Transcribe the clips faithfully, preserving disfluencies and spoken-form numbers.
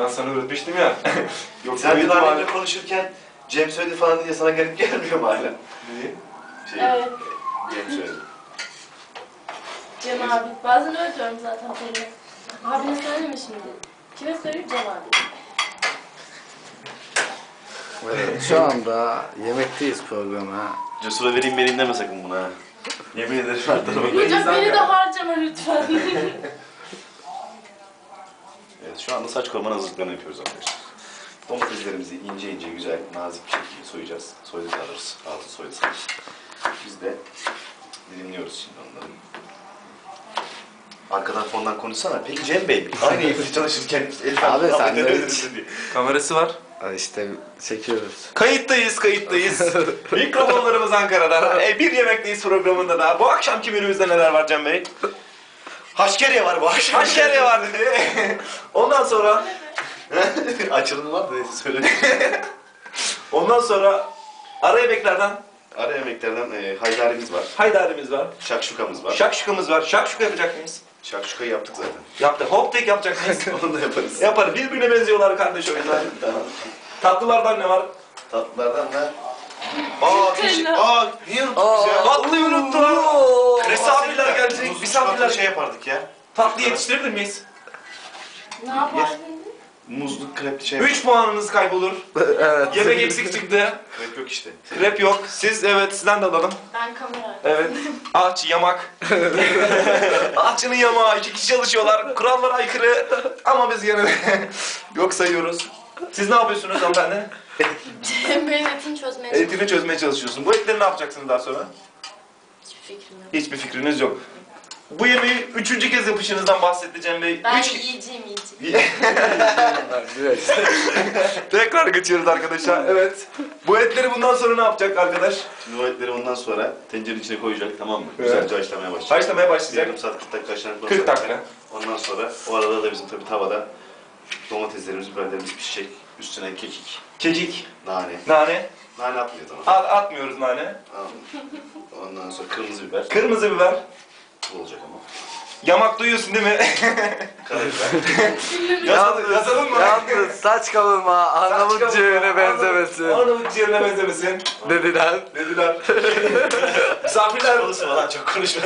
Ben sana öğretmiştim ya. Yok, sen bir daha önce konuşurken Cem söyledi falan diye sana garip gelmiyor mu hala? Niye? Şey, Evet. Cem söyledi. Cem abi. Bazen öyle diyorum zaten Pelin. Abine söyleme şimdi. Kime söyleyeyim? Cem abi. Evet, şu anda yemekteyiz programa. Cesur'a vereyim beni deme sakın buna. Yemin ederim her tarafa. Hocam beni de harcama lütfen. Evet, şu anda saç koruman hazırlıklarını yapıyoruz arkadaşlar. Domateslerimizi ince ince güzel, nazik bir şekilde soyacağız. Soydu alırız, altı soydu sanırız. Biz de dilimliyoruz şimdi onları. Arkadan fondan konuşsana. Peki Cem Bey, aynı evde çalışırken Elif Abi Hanım sen de neler hiç- dedi diye. Kamerası var. Ha, İşte çekiyoruz. Kayıttayız, kayıttayız. Mikrofonlarımız Ankara'da. E, bir Yemekteyiz programında da. Bu akşamki menümüzde neler var Cem Bey? Haşkeriye var bu akşam. Haşkeriye var dedi. Ondan sonra... Açılımı var da neyse söyle. Ondan sonra ara yemeklerden Ara yemeklerden e, haydarimiz var. haydarimiz var. Şakşukamız var. Şakşukamız var. Şakşuka yapacak mıyız? Şakşukayı yaptık zaten. Yaptık. Hop tek yapacak mıyız? Onu da yaparız. Yaparız. Birbirine benziyorlar kardeş oyunlar. Tamam. Tatlılardan ne var? Tatlılardan da... Aa, keşke... Aa, niye unuttuk biz ya? Tatlıyı unuttum. Misafirler gelecek. Misafirler Misafirler şey yapardık ya. Tatlı yetiştirebilir miyiz? Ne yapardın? Muzlu krepli şey. üç puanınız kaybolur. Evet. Yemek eksik çıktı. Krep yok işte. Krep yok. Siz evet sizden de alalım. Ben kamera. Evet. Ağaç, yamak. Ağaççının yamağı. İki kişi çalışıyorlar. Kurallara aykırı. Ama biz yine de yok sayıyoruz. Siz ne yapıyorsunuz hanımefendi? Cem Bey'in etini çözmeye Etini çözmeye çalışıyorsun. Bu etleri ne yapacaksınız daha sonra? Hiçbir fikrim yok. Hiçbir fikriniz yok. Bu yemeği üçüncü kez yapışınızdan bahsetti Cem Bey. Ben Üç... yiyeceğim yiyeceğim. Evet. Tekrar geçiyoruz arkadaşlar. Evet. Bu etleri bundan sonra ne yapacak arkadaş? Şimdi o etleri ondan sonra tencerenin içine koyacak, tamam mı? Evet. Güzelce haşlamaya başlayacak. Haşlamaya başlayacak. Yarım saat kırk dakika haşlanıp kırk dakika. Ondan sonra o arada da bizim tabii tavada domateslerimiz, biberlerimiz pişecek. Üstüne kekik, Kekik, nane. nane. Nane atmıyor tamam. At, atmıyoruz nane. Tamam. Ondan sonra kırmızı biber. Kırmızı biber. Bu olacak ama. Yamak duyuyorsun değil mi? Karabiber. Yazalım, yazalım mı? Yalnız saç kavurma Arnavut ciğerine benzemesin. Arnavut ciğerine benzemesin. Dediler. Dediler. Misafirler. Konuşma lan, çok konuşma.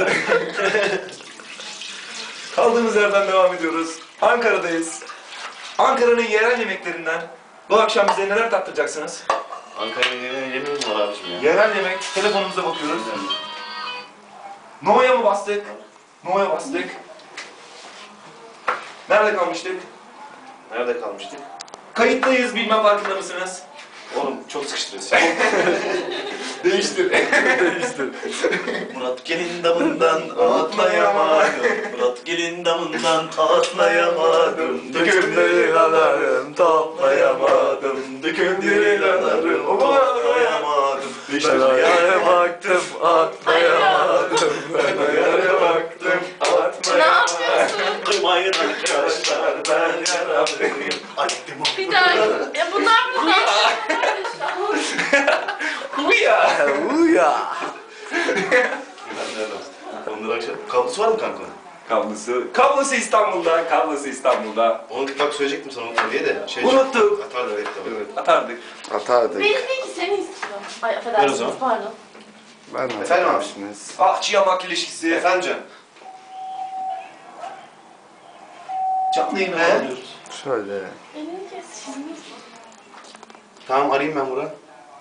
Kaldığımız yerden devam ediyoruz. Ankara'dayız. Ankara'nın yerel yemeklerinden bu akşam bize neler tattıracaksınız? Ankara'nın yemeği yemeğimiz var abiciğim ya. Yerel yemek. Telefonumuza bakıyoruz. No'ya mı bastık? No'ya bastık. Nerede kalmıştık? Nerede kalmıştık? Kayıttayız, bilmem farkında mısınız? Oğlum çok sıkıştırıyorsun. Değiştir. Değiştir. Murat gelin damından atlayamadım. Murat gelin damından atlayamadım. Dökümleri alarım toplayamadım. Dökümleri alarım Atlayamadım. Ben ayağına baktım atlayamadım. Ben ayağına baktım Ne atlayamadım. yapıyorsun? Kıymayın arkadaşlar ben yaralıyım. Adettim o. Bir daha. Ya bunlar bunlar. Kuya. Uya. Onları akşam. Kablosu var mı kanka? Kablosu. Kablosu İstanbul'da. Kablosu İstanbul'da. Onu bak söyleyecektim sana unutma diye de. Şey, Unuttuk. Atardı evet tabii. Evet, atardık. Atardık. Benim değil ki seni istiyorum. Ay Ver o affedersiniz zaman. pardon. Ben Efendim abi? atmışsınız. Ahçı yamak ilişkisi. Efendim canım. Canlı yayın He? alıyoruz. Şöyle. Elini kes şimdi. Tamam arayayım ben Murat.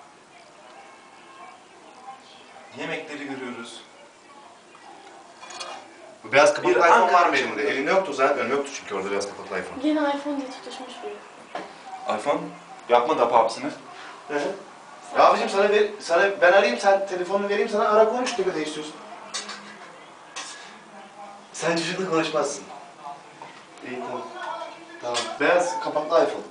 Yemekleri görüyoruz. Bu beyaz kapaklı Bir iPhone Ankara var mı elimde? Elinde yoktu zaten. Önüm yoktu çünkü orada beyaz kapaklı iPhone. Yeni iPhone diye tutuşmuş biri. iPhone. Yapma da papsını. Hı hı. Ya abicim sana ver, sana ben arayayım, sen telefonunu vereyim sana, ara konuş ne kadar istiyorsun. Sen çocukla konuşmazsın. İyi tamam. Tamam. Beyaz kapaklı iPhone.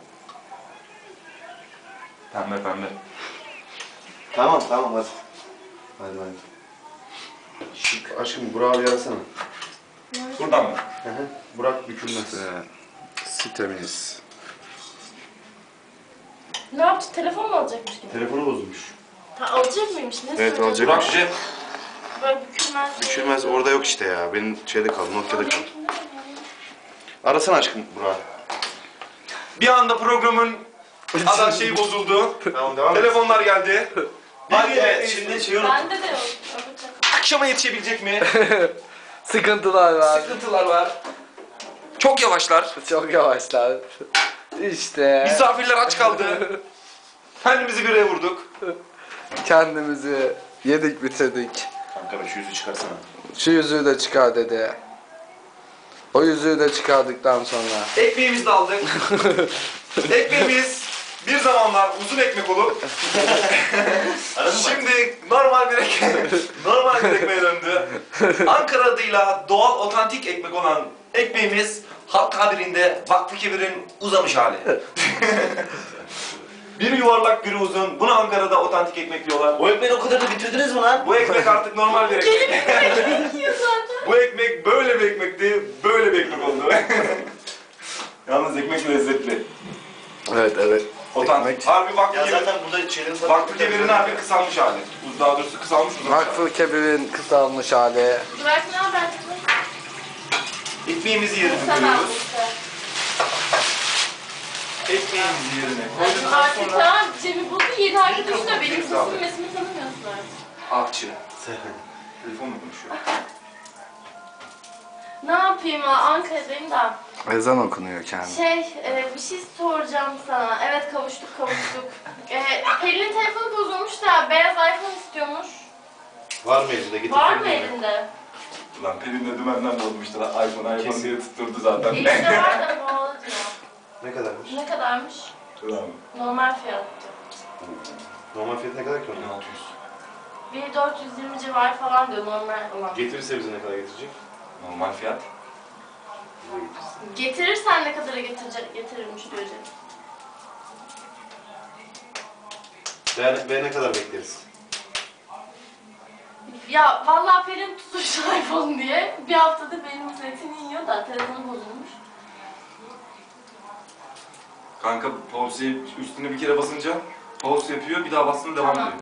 Pembe pembe. Tamam tamam hadi. Hadi hadi. Şu aşkım Burak'ı bir arasana. Buradan mı? Hı hı. Burak bükülmez. İşte sitemiz. Ne yaptı? Telefon mu alacakmış gibi? Telefonu bozulmuş. Ha, alacak mıymış? Ne Evet, söyledi? alacak. Burak Cem. Böyle bükülmez. Bükülmez orada yok işte ya. Benim şeyde kaldı, Nokia'da kaldı. Arasana aşkım Burak'ı. Bir anda programın ada şeyi bozuldu. Tamam devam et. Telefonlar geldi. Evet, şimdi şey unuttum. Bende de yok. Yapacak. Akşama yetişebilecek mi? Sıkıntılar var. Sıkıntılar var. Çok yavaşlar. Çok yavaşlar. İşte Misafirler aç kaldı. Kendimizi bireye vurduk. kendimizi yedik bitirdik. Kanka be şu yüzü çıkarsana. Şu yüzüğü de çıkar dedi. O yüzüğü de çıkardıktan sonra. Ekmeğimizi de aldık. Ekmeğimiz bir zamanlar uzun ekmek olup şimdi normal bir ekmek, normal bir ekmeğe döndü. Ankara adıyla doğal otantik ekmek olan ekmeğimiz halk tabirinde Vakfı Kebir'in uzamış hali. Biri yuvarlak, biri uzun. Buna Ankara'da otantik ekmek diyorlar. O ekmeği o kadar da bitirdiniz mi lan? Bu ekmek artık normal bir ekmek. Yiyor zaten. Bu ekmek böyle bir ekmekti, böyle bir ekmek oldu. Yalnız ekmek lezzetli. Evet evet. Otantik. Ekmek. Harbi Vakfı Ya Kebir. zaten burada şeylerin tadı... Vakfı Kebir'in harbi kısalmış hali. Uz- Daha doğrusu kısalmış uzamış hali. Vakfı Kebir'in kısalmış hali. Burak ne haber kızım? Ekmeğimizi yerine Sen koyuyoruz. almışsın. Ekmeğimizi yerine Yani koyduktan artık sonra... tamam Cem'i buldu yedi arkadaşı da benim Mikrofon sesimi mesimi tanımıyorsun artık. Ahçı. Telefonla konuşuyor. Ne yapayım ha Ankara'dayım da. Ezan okunuyor kendi. Şey e, bir şey soracağım sana. Evet kavuştuk kavuştuk. e, Pelin'in telefonu bozulmuş da beyaz iPhone istiyormuş. Var mı elinde? Getir. Var mı elinde. elinde? Ulan Pelin de dümenden bozmuştu lan. iPhone iPhone Kesin. diye tutturdu zaten. Elinde var da pahalı diyor. Ne kadarmış? Ne kadarmış? Ulan. Normal fiyattı. Normal fiyatı ne kadar ki onun? bin altı yüz. bin dört yüz yirmi civarı falan diyor normal olan. Getirirse bize ne kadar getirecek? Normal fiyat. Bize getirsin. Getirirsen ne kadara getirecek, getirirmiş diyor Cem. Ve, ve ne kadar bekleriz? Ya vallahi Pelin tutmuş iPhone diye bir haftada benim zeytini yiyor da telefonu bozulmuş. Kanka pause'yi üstüne bir kere basınca pause yapıyor, bir daha bastığında devam Tamam. ediyor.